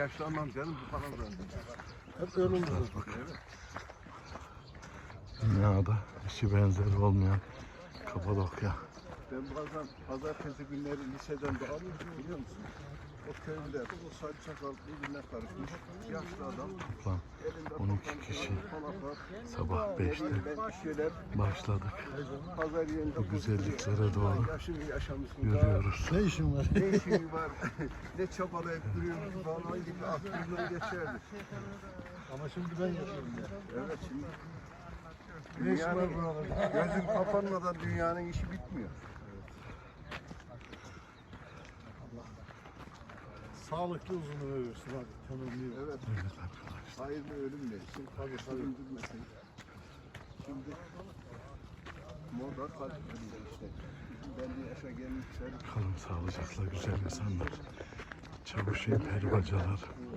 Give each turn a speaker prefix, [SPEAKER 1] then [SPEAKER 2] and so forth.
[SPEAKER 1] Yaşlanmam canım bu falan da. Hep ölüm bakıyor.
[SPEAKER 2] Dünyada eşi benzeri olmayan Kapadokya.
[SPEAKER 1] Ben bazen pazartesi günleri liseden de alıyorum biliyor musun? O köyde o saç sakal birbirine karışmış yaşlı adam.
[SPEAKER 2] Toplam 12 kişi sabah 5'te başladık.
[SPEAKER 1] Pazar yerinde
[SPEAKER 2] Bu güzelliklere doğru
[SPEAKER 1] yaşını yaşamışsın.
[SPEAKER 2] yürüyoruz.
[SPEAKER 1] Ne işin var? Ne işin var? Ne çabalayıp duruyorsun falan gibi aklımdan geçerdi.
[SPEAKER 3] Ama şimdi ben yapıyorum ya.
[SPEAKER 1] Evet şimdi.
[SPEAKER 3] Ne iş var buralarda?
[SPEAKER 1] Gözün kapanmadan dünyanın işi bitmiyor.
[SPEAKER 3] Sağlıklı uzun ömür versin abi. Temenni
[SPEAKER 1] Evet.
[SPEAKER 2] Evet arkadaşlar.
[SPEAKER 1] Hayırlı ölüm versin.
[SPEAKER 3] Tabii tabii.
[SPEAKER 1] Öldürmesin. Şimdi moda kalp ölüyor işte. Belli yaşa gelmişler.
[SPEAKER 2] Kalın sağlıcakla güzel insanlar. Çavuşin peri bacalar.